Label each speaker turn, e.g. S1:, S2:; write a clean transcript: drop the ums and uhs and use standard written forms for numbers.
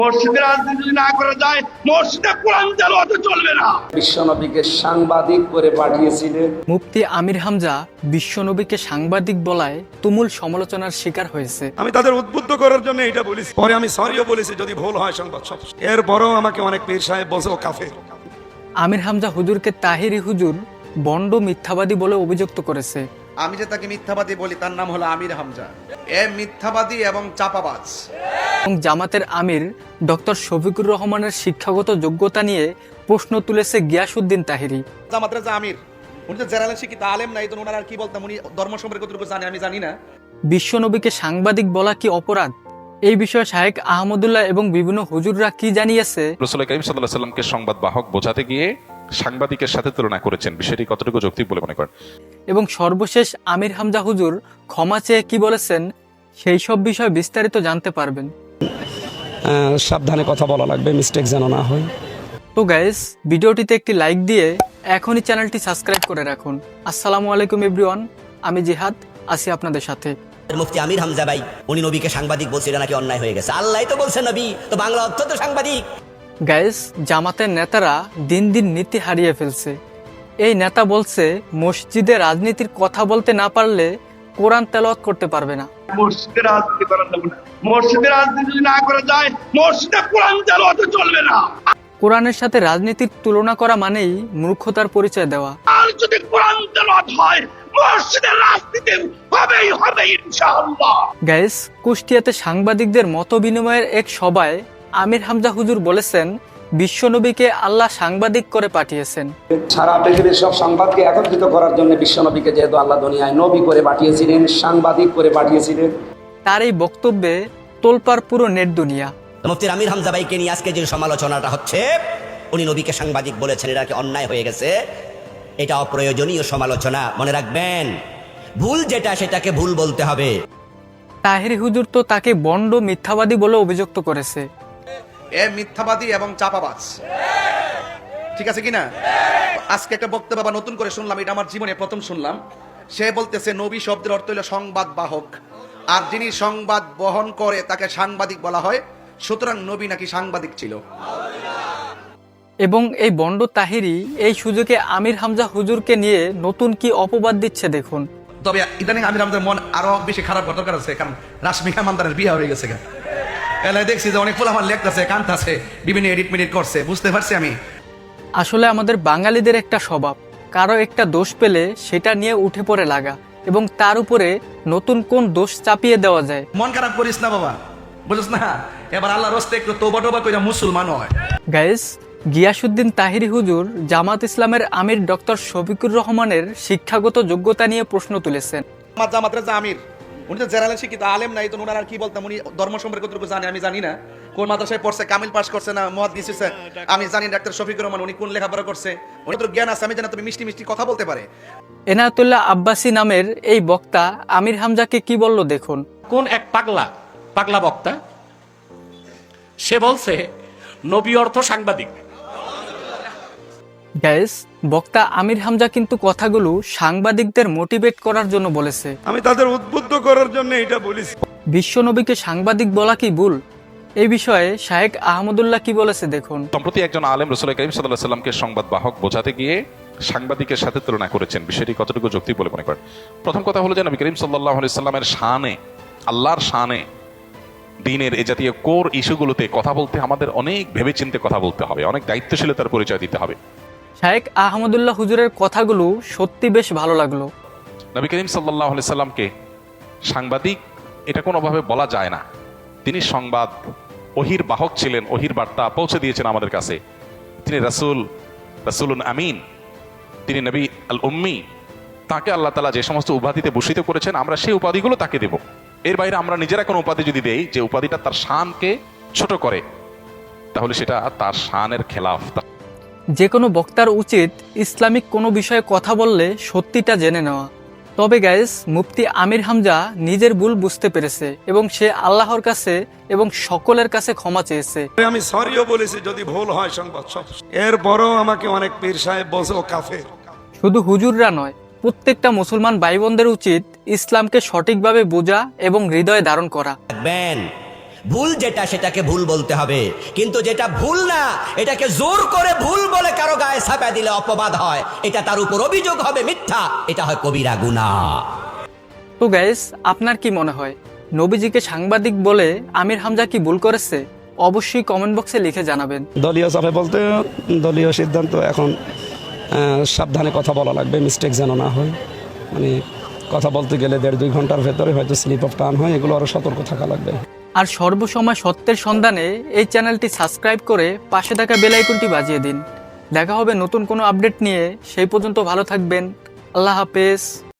S1: মসজিদে রাজনীতি না করা যায়, মসজিদে কোরআন তেলাওয়াত চলবে না।
S2: বিশ্বনবীকে সাংবাদিক করে পাঠিয়েছিলেন।
S3: মুফতি আমির হামজা বিশ্বনবীকে সাংবাদিক বলায় তুমুল সমালোচনার শিকার হয়েছে।
S4: আমি তাদের উদ্বুদ্ধ করার জন্য এটা বলেছি, পরে আমি সরিও বলেছি যদি ভুল হয় সংবাদ সব। এরপরও আমাকে অনেক পীর সাহেব বলছে ও কাফের।
S3: আমির হামজা হুজুরকে তাহিরি হুজুর বন্ড মিথ্যাবাদী বলে অভিযুক্ত করেছে।
S5: আমি যে তাকে মিথ্যাবাদী বলি তার নাম হলো আমির হামজা। এ মিথ্যাবাদী এবং চাপাবাজ।
S3: এবং জামাতের আমির ডক্টর শফিকুর রহমানের শিক্ষাগত যোগ্যতা নিয়ে প্রশ্ন তুলেছে গিয়াসউদ্দিন তাহিরি।
S5: জামাতের যে আমির, উনি তো জেনারেল শিক্ষিত আলেম নাই, তো ওনার আর কি বলতাম, উনি ধর্ম সম্পর্কে কতটুকু জানে আমি জানি না।
S3: বিশ্বনবীকে সাংবাদিক বলা কি অপরাধ? এই বিষয়ে শাহেক আহমদুল্লাহ এবং বিভিন্ন হুজুররা কি জানিয়েছে?
S6: রাসূল করিম সাল্লাল্লাহু আলাইহি সাল্লামকে সংবাদ বাহক বোঝাতে গিয়ে সাংবাদিকের সাথে তুলনা করেছেন, বিষয়টি কতটুকু যৌক্তিক বলে মনে করেন?
S3: এবং সর্বশেষ আমির হামজা হুজুর ক্ষমা চেয়ে কি বলেছেন, সেই সব বিষয়ে বিস্তারিত জানতে পারবেন।
S2: সাবধানে কথা বলা লাগবে, মিস্টেক যেন না হয়।
S3: তো গাইস, ভিডিওটিতে একটি লাইক দিয়ে এখনই চ্যানেলটি সাবস্ক্রাইব করে রাখুন। আসসালামু আলাইকুম এভরিওয়ান, আমি জিহাদ আছি আপনাদের সাথে।
S7: মুফতি আমির হামজা ভাই উনি নবীকে সাংবাদিক বলছে, এটা নাকি অন্যায় হয়ে গেছে। আল্লাহ তো বলছেন নবী, তো বাংলা অর্থ তো সাংবাদিক।
S3: গাইস, জামাতের নেতারা দিন দিন নীতি হারিয়ে ফেলছে। এই নেতা বলছে মসজিদে রাজনীতির কথা বলতে না পারলে কোরআন তেলাওয়াত করতে পারবে না।
S1: মসজিদে রাজনীতি করা যাবে না, মসজিদে রাজনীতি না করা যায়, মসজিদে কোরআন তেলাওয়াত চলবে না।
S3: কোরআনের সাথে রাজনীতির তুলনা করা মানেই মূর্খতার পরিচয় দেওয়া।
S1: আর যদি কোরআন তেলাওয়াত হয়, মসজিদে রাজনীতি হবেই হবে ইনশাআল্লাহ।
S3: গাইস, কুষ্টিয়াতে সাংবাদিকদের মত বিনিময়ের এক সভায় আমির হামজা হুজুর বলেছেন বিশ্বনবীকে আল্লাহ সাংবাদিক করে পাঠিয়েছেন।
S2: সারা পৃথিবীর সব সংবাদকে একত্রিত করার জন্য বিশ্বনবীকে যেহেতু আল্লাহ দুনিয়ায় নবী করে পাঠিয়েছিলেন, সাংবাদিক করে পাঠিয়েছিলেন।
S3: তার এই বক্তব্যে তোলপাড় পুরো নেট দুনিয়া।
S7: মুফতি আমির হামজা ভাইকে নিয়ে আজকে যে সমালোচনাটা হচ্ছে, উনি নবীকে সাংবাদিক বলেছেন, এটা কি অন্যায় হয়ে গেছে, এটা অপ্রয়োজনীয় সমালোচনা। মনে রাখবেন, ভুল যেটা সেটাকে ভুল বলতে হবে।
S3: তাহিরি হুজুর তো তাকে বন্ড মিথ্যাবাদী বলে অভিযুক্ত করেছে।
S5: এ মিথ্যাবাদী এবং চাপাবাজ, ঠিক আছে কিনা? আজকে একটা বক্তব্য বাবা নতুন করে শুনলাম, এটা আমার জীবনে প্রথম শুনলাম। সে বলতেছে নবী শব্দের অর্থ হলো সংবাদ বাহক, আর যিনি সংবাদ বহন করে তাকে সাংবাদিক বলা হয়। সুতরাং নবী নাকি সাংবাদিক ছিল।
S3: এবং এই বন্ড তাহিরি এই সুযোগে আমির হামজা হুজুরকে নিয়ে নতুন কি অপবাদ দিচ্ছে দেখুন।
S5: তবে ইদানিং আমির হামজার মন আরো বেশি খারাপ করার দরকার আছে, কারণ রাশমিকা মান্দারের বিয়ে হয়ে গেছে। এলাকায় দেখছি যে অনেক পোলাপান লেখতেছে, কাঁদতেছে, বিভিন্ন এডিট মেডিট করছে, বুঝতে পারছি আমি।
S3: আসলে আমাদের বাঙালিদের একটা স্বভাব, কারো একটা দোষ পেলে সেটা নিয়ে উঠে পড়ে লাগা এবং তার উপরে নতুন কোন দোষ চাপিয়ে দেওয়া যায়।
S5: মন খারাপ করিস না বাবা, বুঝছ না? এবার আল্লাহর রাস্তায় একটু তোবা টোবা কইরা মুসলমান হয়।
S3: গাইস, গিয়াসউদ্দিন তাহিরি হুজুর জামাত ইসলামের আমির ডক্টর শফিকুর রহমানের শিক্ষাগত যোগ্যতা নিয়ে প্রশ্ন তুলেছেন।
S5: আমার জামাতের যে আমির, উনি তো জেনারেল শিক্ষিত আলেম নাই, তো ওনার আর কি বলতাম, উনি ধর্ম সম্পর্কে কতটুকু জানে আমি জানি না। কোন মাদ্রাসায় পড়ছে, কামিল পাস করছে না মুহাদ্দিস হইছে আমি জানি। ডাক্তার শফিকুর রহমান উনি কোন লেখাপড়া করছে, উনি তো জ্ঞান আছে আমি জানি, তুমি মিষ্টি মিষ্টি কথা বলতে পারে।
S3: এনায়েতুল্লাহ আব্বাসী নামের এই বক্তা আমির হামজাকে কি বলল দেখুন।
S8: কোন এক পাগলা বক্তা, সে বলছে নবী অর্থ সাংবাদিক।
S3: গাইস, বক্তা আমির হামজা কিন্তু কথাগুলো সাংবাদিকদের মোটিভেট করার জন্য বলেছে।
S4: আমি তাদের উদ্বুদ্ধ করার জন্য এটা বলেছি।
S3: বিশ্বনবীকে সাংবাদিক বলা কি ভুল? এই বিষয়ে শাহেক আহমদুল্লাহ কি বলেছে দেখুন।
S6: সম্প্রতি একজন আলেম রাসূল করিম সাল্লাল্লাহু আলাইহি সাল্লামকে সংবাদ বাহক বোঝাতে গিয়ে সাংবাদিকের সাথে তুলনা করেছেন, বিষয়টি কতটুকু যৌক্তিক বলে মনে করেন? প্রথম কথা হলো যে নবী করিম সাল্লাল্লাহু আলাইহি সাল্লামের শানে, আল্লাহর শানে, দ্বীনের এই জাতীয় কোর ইস্যুগুলোতে কথা বলতে আমাদের অনেক ভেবেচিন্তে কথা বলতে হবে, অনেক দায়িত্বশীলতার পরিচয় দিতে হবে।
S3: শাহেক আহমদুল্লাহ হুজুরের কথাগুলো সত্যি বেশ ভালো লাগলো।
S6: নবী করিম সাল্লাল্লাহু আলাইহি সাল্লামকে সাংবাদিক এটা কোনোভাবে বলা যায় না। তিনি সংবাদ ওহির বাহক ছিলেন, ওহির বার্তা পৌঁছে দিয়েছেন আমাদের কাছে। তিনি রাসূলুন আমিন, তিনি নবী আল উম্মি। তাকে আল্লাহ তাআলা যে সমস্ত উপাধিতে ভূষিত করেছেন, আমরা সেই উপাধিগুলো তাকে দেব। এর বাইরে আমরা নিজেরা কোনো উপাধি যদি দেই যে উপাধিটা তার শানকে ছোট করে, তাহলে সেটা তার শানের খেলাফ।
S3: যে কোনো বক্তার উচিত ইসলামিক কোনো বিষয়ে কথা বললে সত্যিটা জেনে নেওয়া। তবে গাইস, মুফতি আমির হামজা নিজের ভুল বুঝতে পেরেছে এবং সে আল্লাহর কাছে এবং সকলের কাছে ক্ষমা চেয়েছে।
S4: আমি সরিও বলেছি যদি ভুল হয় সংবাদ সব। এরপরও আমাকে অনেক পীর সাহেব বলছে ও কাফের।
S3: শুধু হুজুররা নয়, প্রত্যেকটা মুসলমান ভাই বোনদের উচিত ইসলামকে সঠিকভাবে বোঝা এবং হৃদয়ে ধারণ করা।
S7: রাখবেন, ভুল যেটা সেটাকে ভুল বলতে হবে, কিন্তু যেটা ভুল না এটাকে জোর করে ভুল বলে কারো গায়ে ছাপা দিলে অপবাদ হয়, এটা তার উপর অভিযোগ হবে মিথ্যা, এটা হয় কবিরা গুনাহ।
S3: তো গাইস, আপনার কি মনে হয় নবীজিকে সাংবাদিক বলে আমির হামজা কি ভুল করেছে? অবশ্যই কমেন্ট বক্সে লিখে জানাবেন।
S2: দলীয় চাপে বলতে দলীয় সিদ্ধান্ত, এখন সাবধানে কথা বলা লাগবে, মিস্টেক যেন না হয়। মানে কথা বলতে গেলে 1.5-2 ঘন্টার ভেতরে হয়তো স্লিপ অফ টার্ন হয়, এগুলো আরও সতর্ক থাকা লাগবে।
S3: আর সর্বসময় সত্যের সন্ধানে এই চ্যানেলটি সাবস্ক্রাইব করে পাশে থাকা বেল আইকনটি বাজিয়ে দিন। দেখা হবে নতুন কোনো আপডেট নিয়ে, সেই পর্যন্ত ভালো থাকবেন। আল্লাহ হাফেজ।